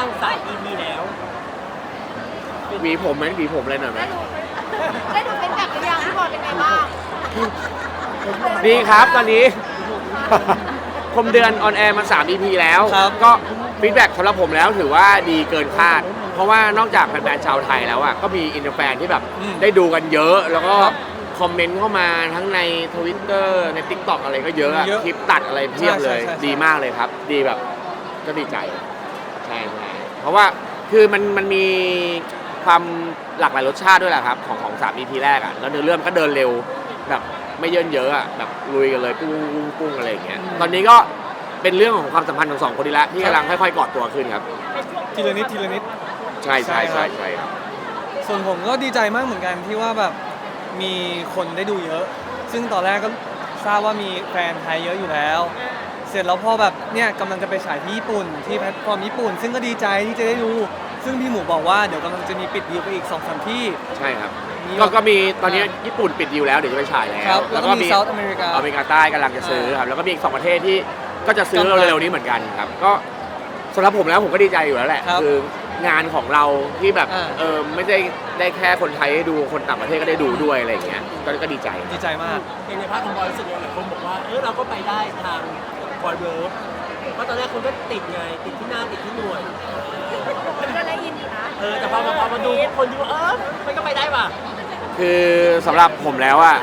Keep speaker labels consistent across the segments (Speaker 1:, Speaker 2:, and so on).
Speaker 1: าง3 EP แล้ว
Speaker 2: หวีผมไหมหวีผมเลยหน่อยไหม
Speaker 3: ได้ดูเป็นแบบหรือยังพี่บอยเป็นไงบ้าง
Speaker 2: ดีครับตอนนี้ คมเดือนออนแอร์มา3 EP แล้วก็ฟีดแบ็กสำหรับผมแล้วถือว่าดีเกินคาด เพราะว่านอกจากแฟนๆชาวไทยแล้วอ่ะก็มีอินเตอร์แฟนที่แบบได้ดูกันเยอะ แล้วก็คอมเมนต์เข้ามาทั้งใน Twitter ใน TikTok อะไรก็เยอะอะคลิปตัดอะไรเพียบเลยดีมากเลยครับ ดีแบบก็ดีใจใช่เพราะว่าคือมันมีความหลากหลายรสชาติด้วยแหละครับของ3 EP แรกอ่ะแล้วเนื้อเรื่องก็เดินเร็วแบบไม่เยินเยอะอ่ะแบบลุยกันเลยปุ้งอะไรอย่างเงี้ยตอนนี้ก็เป็นเรื่องของความสัมพันธ์ของ2 คนนี้ละที่กำลังค่อยๆกอดตัวขึ้นครับ
Speaker 4: ทีละนิดทีละนิด
Speaker 2: ใช่ครับ
Speaker 4: ส่วนผมก็ดีใจมากเหมือนกันที่ว่าแบบมีคนได้ดูเยอะซึ่งตอนแรกก็ทราบว่ามีแฟนไทยเยอะอยู่แล้วเสร็จแล้วพอแบบเนี่ยกำลังจะไปฉายที่ญี่ปุ่นที่แพลตฟอร์มญี่ปุ่นซึ่งก็ดีใจที่จะได้ดูซึ่งพี่หมูบอกว่าเดี๋ยวกำลังจะมีปิดดีลไปอีก 2-3 ที่
Speaker 2: ใช่ครับก็มีตอนนี้ญี่ปุ่นปิดดีลแล้วเดี๋ยวจะไปฉายแล้ว
Speaker 4: แล้วก็มีเซาท์อเมริกา
Speaker 2: ใต้กำลังจะซื้อครับแล้วก็มีอีก2 ประเทศที่ก็จะซื้อเร็วๆนี้เหมือนกันครับก็สำหรับผมแล้วผมก็ดีใจอยู่แล้วแหละคืองานของเราที่แบบไม่ได้แค่คนไทยให้ดูคนต่างประเทศก็ได้ดูด้วยอะไรอย่างเงี้ยก็ดีใจ
Speaker 4: มาก
Speaker 1: ในภาคของบอยรู้สึกว่าหลายคนบอกว่าเราก็ไปได้ทางบอยเวิร์กเพราะตอนแรกคนก็ติดไงติดที่หน้าติดที่หน่วย
Speaker 3: ก็ได้ยินอยู่นะ
Speaker 1: แต่พอมาดูคนดูมันก็ไปได้ป่ะ
Speaker 2: คือสำหรับผมแล้วอะ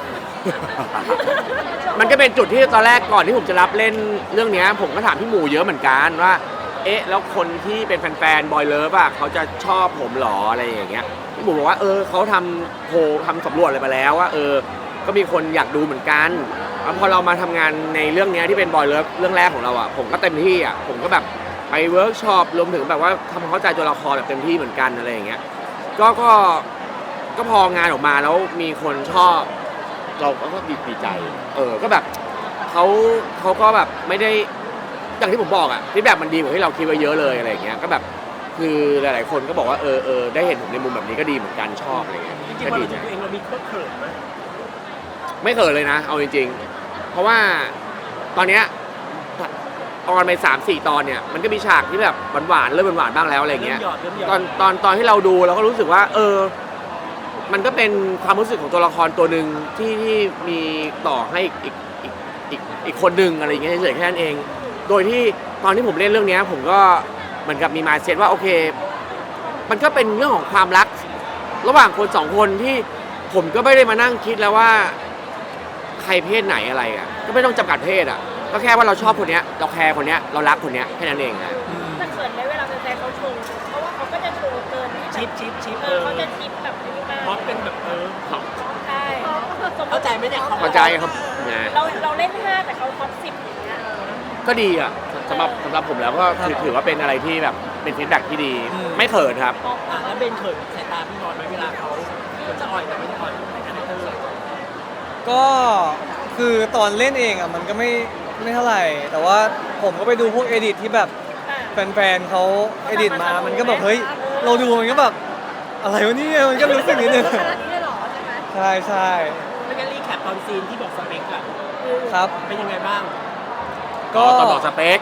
Speaker 2: มันก็เป็นจุดที่ตอนแรกก่อนที่ผมจะรับเล่นเรื่องนี้ผมก็ถามพี่หมูเยอะเหมือนกันว่าแล้วคนที่เป็นแฟนๆบอยเลิฟอะเขาจะชอบผมหรออะไรอย่างเงี้ยพี่หมูบอกว่าเขาทำโพลทำสำรวจอะไรมาแล้วว่าก็มีคนอยากดูเหมือนกันพอเรามาทำงานในเรื่องนี้ที่เป็นบอยเลิฟเรื่องแรกของเราอะผมก็เต็มที่อะผมก็แบบไปเวิร์กช็อปรวมถึงแบบว่าทำความเข้าใจตัวละครแบบเต็มที่เหมือนกันอะไรอย่างเงี้ยก็พองานออกมาแล้วมีคนชอบเราก็ดีใจก็แบบเขาก็แบบไม่ได้อย่างที่ผมบอกอะที่แบบมันดีกว่าที่เราคิดไว้เยอะเลยอะไรอย่างเงี้ยก็แบบคือหลายๆคนก็บอกว่าได้เห็นผมในมุมแบบนี้ก็ดีเหมือนกันชอบอะไรเงี้ย
Speaker 1: จริงๆพอเราดูเองเรามีเขินไหม
Speaker 2: ไม่เขินเลยนะเอาจริงๆเพราะว่าตอนเนี้ยออนไป3-4 ตอนเนี่ยมันก็มีฉากที่แบบหวานๆเริ่มหวานๆบ้างแล้วอะไรเงี้ยตอนที่เราดูเราก็รู้สึกว่ามันก็เป็นความรู้สึกของตัวละครตัวหนึ่งที่มีต่อให้อีกคนหนึ่งอะไรอย่างเงี้ยเฉยๆแค่นั้นเองโดยที่ตอนที่ผมเล่นเรื่องนี้ผมก็เหมือนกับมีมายด์เซ็ตว่าโอเคมันก็เป็นเรื่องของความรักระหว่างคน2 คนที่ผมก็ไม่ได้มานั่งคิดแล้วว่าใครเพศไหนอะไรอ่ะก็ไม่ต้องจำกัดเพศอ่ะก็แค่ว่าเราชอบคนนี้เราแคร์คนนี้เรารักคนนี้แค่นั้นเองนะ
Speaker 3: แต่เขินไหมเวลาแฟนเขาชมเพราะว่าเขาก็จะโชว์เกิน
Speaker 1: ชิป
Speaker 3: เขาจะชิปแบบนี้มาก
Speaker 1: พอเป็นแบบ
Speaker 3: ใช่
Speaker 1: เข้าใจไหมเนี่ย
Speaker 2: เข้าใจครับ
Speaker 3: เราเล่น5แต่เขาท็อป10อย่างเงี้ย
Speaker 2: ก็ดีอ่ะสำหรับผมแล้วก็ถือว่าเป็นอะไรที่แบบเป็นฟีดแบ็กที่ดีไม่เขินครับ
Speaker 1: แล้วเบนเขินสายตาพี่บอลไหมเวลาเขาจะอ่อยแต่ไม่อ่อย
Speaker 4: ก็คือตอนเล่นเองอ่ะมันก็ไม่เท่าไหร่แต่ว่าผมก็ไปดูพวกเอดิตที่แบบแฟนๆเขาเอดิตมามันก็แบบเฮ้ยเราดูมันก็แบบอะไรวะนี่มันก็รู้สึกนิดนึงใช่
Speaker 1: ไม่งั้นรีแคปตอนซีนที่บอกสเปคอะ
Speaker 4: ครับ
Speaker 1: เป็นยังไงบ้าง
Speaker 2: ก็ตอนบอกสเปค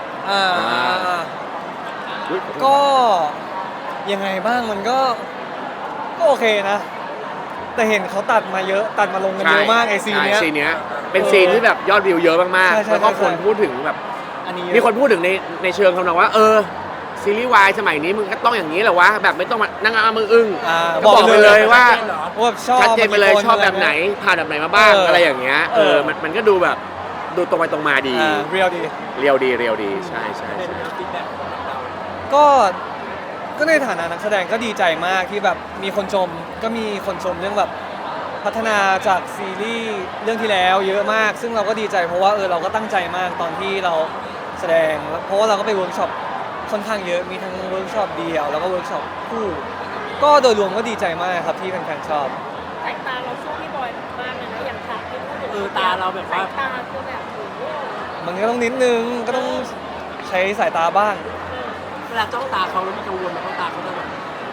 Speaker 4: ก็ยังไงบ้างมันก็โอเคนะแต่เห็นเขาตัดมาเยอะตัดมาลงกันเยอะมากไอซีเนี้ย
Speaker 2: เป็นซีนที่แบบยอดวิวเยอะมากๆแล้วก็คนพูดถึงแบบมีคนพูดถึงในเชิงคำนองว่าซีรีส์วายสมัยนี้มึงก็ต้องอย่างนี้เหรอวะแบบไม่ต้องมานั่งเอามืออึ้งบอกไปเลยว่าชัดเจนไปเลยชอบแบบไหนผ่านแบบไหนมาบ้างอะไรอย่างเงี้ยมันก็ดูแบบดูตรงไปตรงมาดี
Speaker 4: เรียว
Speaker 2: ดีใช่
Speaker 4: ก็ในฐานะนักแสดงก็ดีใจมากที่แบบมีคนชมก็มีคนชมเรื่องแบบพัฒนาจากซีรีส์เรื่องที่แล้วเยอะมากซึ่งเราก็ดีใจเพราะว่าเราก็ตั้งใจมากตอนที่เราแสดงเพราะว่าเราก็ไปเวิร์กช็อปค่อนข้างเยอะมีทั้งเวิร์กช็อปเดียวแล้วก็เวิร์กช็อปคู่ก็โดยรวมก็ดีใจมากครับที่แฟนๆชอบ
Speaker 3: สายตาเราสู้พี่บอยมากเลยนะอย่างฉากที่พูดถึง
Speaker 1: ตาเราแบบว่า
Speaker 3: ตาคือแบบ
Speaker 4: มันก็ต้องนิดนึงก็ต้องใช้สายตาบ้าง
Speaker 1: เวลาจ้องตาเขาแล้วมีกังวลไหมเขาตาเขาจะแบบ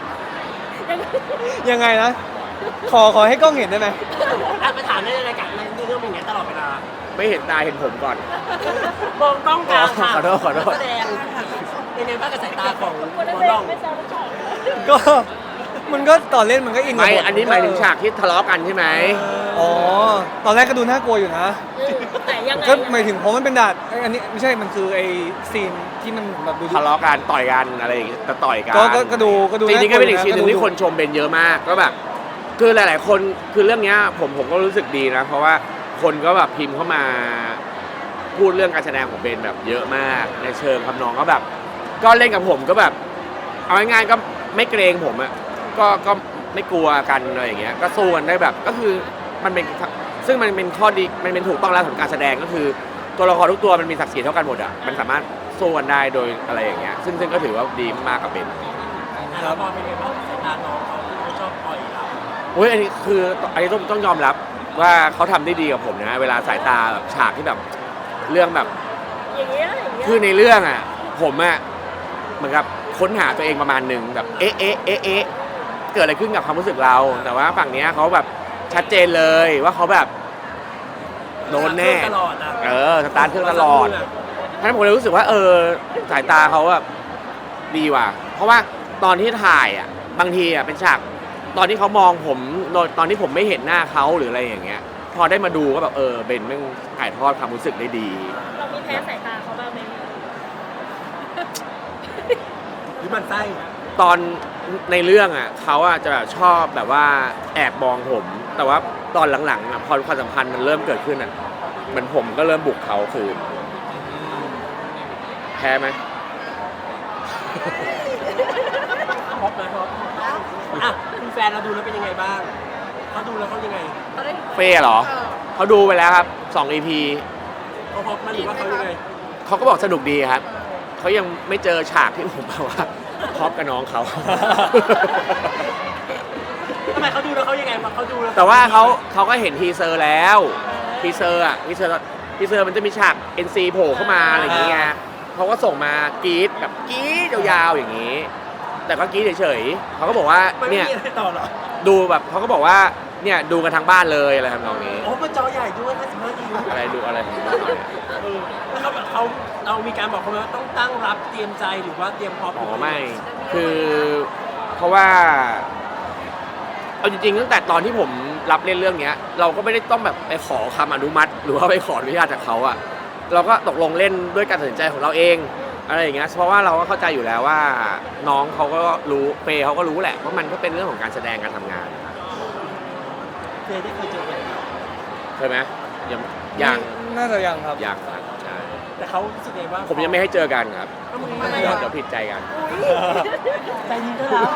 Speaker 4: ยังไงนะขอให้กล้องเห็นได้ไหม
Speaker 1: ไปถามในรายการในเรื่องอย่างเงี้ยตลอดเวลา
Speaker 2: ไม่เห็นตาเห็นผมก่อน
Speaker 1: มองกล้องกลางค่ะ
Speaker 2: ขอโทษ
Speaker 1: แสดงเป็นไงบ้างกับสายตาของ
Speaker 3: คน
Speaker 1: ห
Speaker 3: นั้น
Speaker 1: มอ
Speaker 3: เอ
Speaker 1: น้อง ง
Speaker 3: ไม่ทราบว่าชอบ
Speaker 4: ก็มันก็ตอนเล่นมันก็อินกับ
Speaker 2: ไม่
Speaker 4: บท
Speaker 2: อันนี้หมายถึงฉากที่ทะเลาะกันใช่ไหม
Speaker 4: อ๋อตอนแรกก็ดูน่ากลัวอยู่นะ
Speaker 3: แต่ยังไง
Speaker 4: ก็หมายถึงเพราะมันเป็นด่านอันนี้ไม่ใช่มันคือไอ้ซีนที่มันแบบดู
Speaker 2: ทะเลาะกันต่อยกันอะไรอย่างเงี้ยแต่ต่อยกัน
Speaker 4: ก็ดู
Speaker 2: จริงๆก็เป็นอีกซีนหนึ่งที่
Speaker 4: าลัว
Speaker 2: คนชมเบนเยอะมากก็แบบคือหลาย ๆ คนคือเรื่องเนี้ยผมก็รู้สึกดีนะ เพราะว่าคนก็แบบพิมพ์เข้ามาพูดเรื่องการแสดงของเบนแบบเยอะมากในเชิงคำนองก็แบบ ก็เล่นกับผมก็แบบเอาง่ายๆก็ไม่เกรงผมอะก็ไม่กลัวกันอะไรอย่างเงี้ยก็สู้กันได้แบบก็คือมันเป็นซึ่งมันเป็นข้อดีมันเป็นถูกต้องแล้วของการแสดงก็คือตัวละครทุกตัวมันมีศักดิ์ศรีเท่ากันหมดอะมันสามารถสู้กันได้โดยอะไรอย่างเงี้ยซึ่งก็ถือว่าดีมากกับเบน
Speaker 1: แล้วพอเป็นไงบ้างสายตาน้องเขาที่เขาชอบปล่อยเรา
Speaker 2: โอ้ยอันนี้คืออันนี้ต้องยอมรับว่าเขาทำได้ดีกับผมนะเวลาสายตาแบบฉากที่แบบเรื่องแบบ
Speaker 3: อย่างเงี้ย
Speaker 2: คือในเรื่องอ่ะผมอ่ะเหมือนกับค้นหาตัวเองประมาณหนึ่งแบบเอ๊ะเกิดอะไรขึ้นกับความรู้สึกเรา แต่ว่าฝั่งเนี้ยเขาแบบชัดเจนเลยว่าเขาแบบโดนแน่
Speaker 1: ตลอดอ่ะ
Speaker 2: สตาร์ทเครื่องตลอดฉะนั้นผมเลยรู้สึกว่าสายตาเขาแบบดีว่ะเพราะว่าตอนที่ถ่ายอ่ะบางทีอ่ะเป็นฉากตอนที่เขามองผมตอนที่ผมไม่เห็นหน้าเขาหรืออะไรอย่างเงี้ยพอได้มาดูก็แบบเบนแม่งถ่ายทอดความรู้สึกได้ดี
Speaker 3: เรามีแพ้สายตาเขาบ้างไหม
Speaker 1: หรือมันไส้
Speaker 2: ตอนในเรื่องอ่ะเขาอ่ะจะแบบชอบแบบว่าแอบมองผม แต่ว่าตอนหลังๆอ่ะพอความสัมพันธ์มันเริ่มเกิดขึ้นอ่ะเหมือนผมก็เริ่มบุกเขาคืนแพ้ไหม
Speaker 1: ฮอปนะฮอปอ่ะคุณแฟนเราดูแล้วเป็นยังไงบ้างเขาดูแล้วเขายังไง
Speaker 2: เฟ่เหรอเขาดูไปแล้วครับ2 EP
Speaker 1: เขาฮอปมาหรือว่าเขายังไง
Speaker 2: เขาก็บอกสนุกดีครับเขายังไม่เจอฉากที่ผมแบบว่าพร้อมกับน้องเขา
Speaker 1: ทำไมเขาดูแล้วเขายังไงมาเขาดูแล้ว
Speaker 2: แต่ว่าเขาก็เห็นทีเซอร์แล้วทีเซอร์มันจะมีฉาก NC โผล่เข้ามาอะไรอย่างเงี้ยเขาก็ส่งมากรี๊ดแบบกรี๊ดยาวๆอย่างนี้ แต่ก็กรี๊ดเฉยๆเขาก็บอกว่า
Speaker 1: มันไม่
Speaker 2: เนี่ย
Speaker 1: มีอะไรต่อเหรอ
Speaker 2: ดูแบบเขาก็บอกว่าเนี่ยดูกันทั้งบ้านเลยอะไรทำนองนี้
Speaker 1: โอ้มันจอใหญ่ด้วย55 นิ้ว
Speaker 2: อะไรดูอะไรของเขาเนี่ย
Speaker 1: แล้วเขาแบบเรามีการบอกเขาไหมว่าต้องตั้งรับเตรียมใจหรือว่าเตรียมพร้อม
Speaker 2: อ๋อไม่คือเพราะว่าเอาจริงๆตั้งแต่ตอนที่ผมรับเล่นเรื่องเนี้ย เราก็ไม่ได้ต้องแบบไปขอคำอนุมัติ หรือว่าไปขออนุญาตจากเขาอะเราก็ตกลงเล่นด้วยการตัดสินใจของเราเองอะไรอย่างเงี้ยเพราะว่าเราก็เข้าใจอยู่แล้วว่าน้องเขาก็รู้เฟย์เขาก็รู้แหละว่ามันก็เป็นเรื่องของการแสดงการทำงาน
Speaker 1: เคยได้เคยเจอกัน
Speaker 2: เคยไหมยัง
Speaker 4: น่าจะยังครับ
Speaker 2: ยังครับใช่
Speaker 1: แต่เขารู้สึกไงบ้าง
Speaker 2: ผมยังไม่ให้เจอกันครับ
Speaker 1: ก็มึง
Speaker 3: ทำไม
Speaker 2: เดี๋
Speaker 3: อะ
Speaker 2: ยวผิดใจกัน
Speaker 1: ใจดีก็แล้ว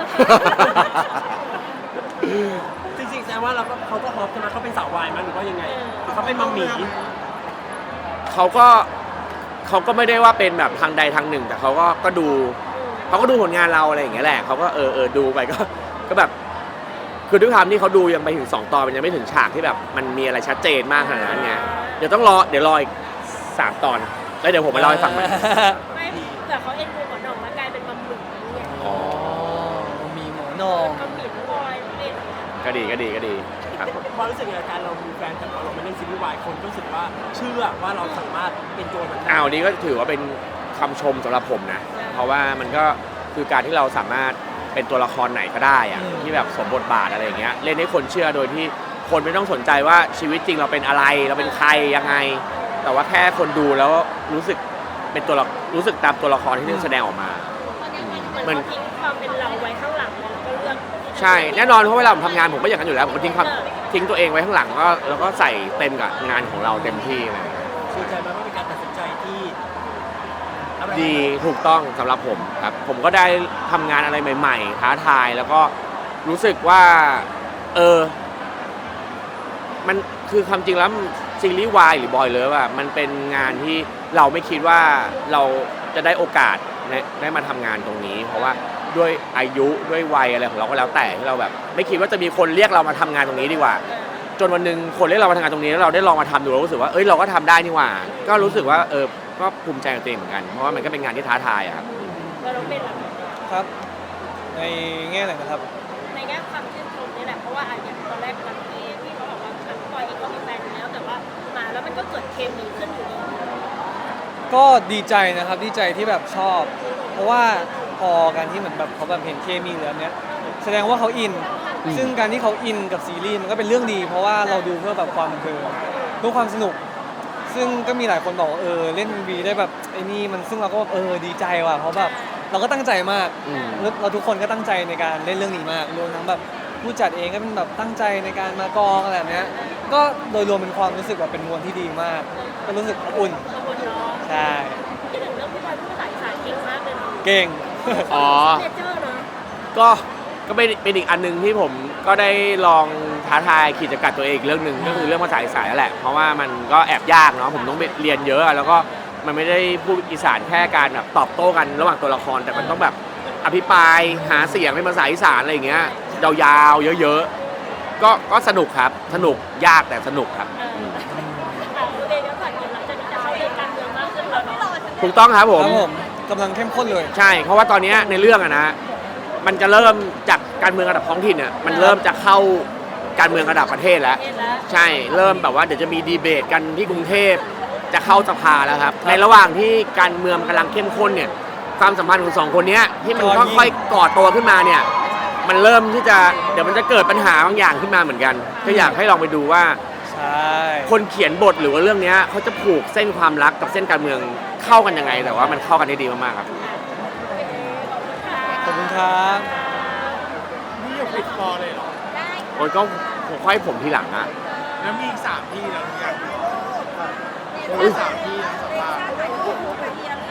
Speaker 1: จริงๆแสดงว่าเขาก็ฮอปใช่ไหมเขาเป็นสาววายมั้ยหรือว่ายังไงหรือเขาเป็นมัมหมี่
Speaker 2: เขาก็ไม่ได้ว่าเป็นแบบทางใดทางหนึ่ง แต่เขาก็ดูผลงานเราอะไรอย่างเงี้ยแหละเขาก็ดูไปก็แบบคือด้วยความที่เขาดูยังไปถึง2 ตอนมันยังไม่ถึงฉากที่แบบมันมีอะไรชัดเจนมากขนาดนั้นไงเดี๋ยวรออีก3 ตอนแล้วเดี๋ยวผมมาเล่าให้ฟังใหม่
Speaker 3: ไม่แต่เขาเอ็นดูหมอหน่องแล้วกลายเป็นมัมหมึกนี่ไง
Speaker 2: อ๋อ
Speaker 4: มีหมอนอง
Speaker 3: มัมหมิ่นบอยเป็น
Speaker 2: ก็ดีครับผม
Speaker 1: ความรู้สึกในการเรามีแฟนแต่พอเราไม่เล่นซีรีส์วายคนก็รู้สึกว่าเชื่อว่าเราสามารถเป็นตัวมันได้
Speaker 2: อ้าวนี้ก็ถือว่าเป็นคำชมสำหรับผมนะเพราะว่ามันก็คือการที่เราสามารถเป็นตัวละครไหนก็ได้อะที่แบบสมบทบาทอะไรอย่างเงี้ยเล่นให้คนเชื่อโดยที่คนไม่ต้องสนใจว่าชีวิตจริงเราเป็นอะไรเราเป็นใครยังไง แต่ว่าแค่คนดูแล้วรู้สึกรู้สึกตามตัวละครที่เล่นแสดงออกมา
Speaker 3: เหมือนเขาทิ้งความเป็นเราไว้ข้างหลังแล้วก็เลือก
Speaker 2: ใช่แน่นอนเพราะเวลาผมทำงานผมก็อย่างนั้นอยู่แล้วผมก็ทิ้งตัวเองไว้ข้างหลังแล้วก็ใส่เต็มกับงานของเราเต็มที่อะไรอย่างเงี้ย
Speaker 1: ดีใจไหมว่าเป็นการตัดสินใจที่อะไร
Speaker 2: ดีถูกต้องสำหรับผมครับผมก็ได้ทำงานอะไรใหม่ๆท้าทายแล้วก็รู้สึกว่ามันคือความจริงแล้วซีรีส์วายหรือบอยเลิฟอะมันเป็นงานที่เราไม่คิดว่าเราจะได้โอกาสได้มาทำงานตรงนี้ เพราะว่าด้วยอายุด้วยวัยอะไรของเราก็แล้วแต่ที่เราแบบ ไม่คิดว่าจะมีคนเรียกเรามาทำงานตรงนี้ดีกว่า จนวันหนึ่งคนเรียกเรามาทำงานตรงนี้แล้วเราได้ลองมาทำดูเรารู้สึกว่าเราก็ทำได้นี่หว่า ก็รู้สึกว่าก็ภูมิใจกับตัวเองเหมือนกันเพราะว่ามันก็เป็นงานที่ท้าทายอะครับ
Speaker 3: เราต้องเป็นหลัก
Speaker 4: ครับ ในแง่ไหนนะครับ
Speaker 3: ในแง่ความชื่นชมนี่แหละเพราะว่าอย่างตอนแรกบางทีที่เขาบอกว่าปอยเองก็มีแฟนอยู่แล้วแต่ว่ามาแล้วมันก็เกิดเคมีขึ้นอยู่ดี
Speaker 4: ก็ดีใจนะครับดีใจที่แบบชอบเพราะว่าพอการที่เหมือนแบบเขาแบบเห็นเคมีเหลือเนี้ยแสดงว่าเขาอิน ซึ่งการที่เขาอินกับซีรีส์มันก็เป็นเรื่องดี เพราะว่าเราดูเพื่อแบบความบันเทิงเพื่อความสนุก ซึ่งก็มีหลายคนบอกว่าเล่นวีได้แบบไอ้นี่มันซึ่งเราก็แบบดีใจว่ะเพราะแบบเราก็ตั้งใจมากแล้วเราทุกคนก็ตั้งใจในการเล่นเรื่องนี้มากรวมทั้งแบบผู้จัดเองก็เป็นแบบตั้งใจในการมากองอะไรแบบเนี้ยก็โดยรวมเป็นความรู้สึกแบบเป็นมวลที่ดีมาก ก็รู้สึกอบอุ่น
Speaker 3: ขอบคุณเนาะ
Speaker 4: ใช่
Speaker 3: ที่ถึงเรื่องพี่บอยพูดภาษาอีสานเก่งมากเลยเนาะ
Speaker 4: เก่ง
Speaker 2: อ๋อ
Speaker 3: เนเจอร์เนาะ
Speaker 2: ก็เป็นอีกอันหนึงที่ผมก็ได้ลองท้าทายขีดจำกัดตัวเองอีกเรื่องหนึ่งก็คือเรื่องภาษาอีสานนั่นแหละเพราะว่ามันก็แอบยากเนาะผมต้องไปเรียนเยอะอะแล้วก็มันไม่ได้พูดอีสานแค่การแบบตอบโต้กันระหว่างตัวละครแต่มันต้องแบบอภิปรายหาเสียงเป็นภาษาอีสานอะไรอย่างเงี้ยยาวๆเยอะๆก็สนุกครับสนุกยากแต่สนุกครับ
Speaker 3: โอเคเดี๋ยวก่อนเดี๋ยวหลังจากนี้จะเข้าเรื่องการเมืองมากขึ้นแล้วเนาะ
Speaker 2: ถูกต้องครับผม
Speaker 4: ครับผมกำลังเข้มข้นเลย
Speaker 2: ใช่เพราะว่าตอนเนี้ยในเรื่องอะนะมันจะเริ่มจากการเมืองระดับท้องถิ่นเนี่ยมันเริ่มจะเข้าการเมืองระดับประเทศแล้ว
Speaker 3: เห็นแล้ว
Speaker 2: ใช่เริ่มแบบว่าเดี๋ยวจะมีดีเบตกันที่กรุงเทพจะเข้าสภาแล้วครับในระหว่างที่การเมืองกำลังเข้มข้นเนี่ยความสัมพันธ์ของสองคนเนี้ยที่มันค่อยๆก่อตัวขึ้นมาเนี่ยมันเริ่มที่จะเดี๋ยวมันจะเกิดปัญหาบางอย่างขึ้นมาเหมือนกันก็อยากให้ลองไปดูว่า
Speaker 4: ใช่
Speaker 2: คนเขียนบทหรือว่าเรื่องเนี้ยเขาจะผูกเส้นความรักกับเส้นการเมืองเข้ากันยังไงแต่ว่ามันเข้ากันได้ดีมากๆครับ
Speaker 4: ขอบคุณครับ
Speaker 5: นี่ยังปิดคอเลยเหรอ
Speaker 2: โอ้ยก็ค่อยผมทีหลังอะ
Speaker 5: แล้วมีอีก3 ที่แล้วหรือยังมี3 ที่นะสัมภาษณ์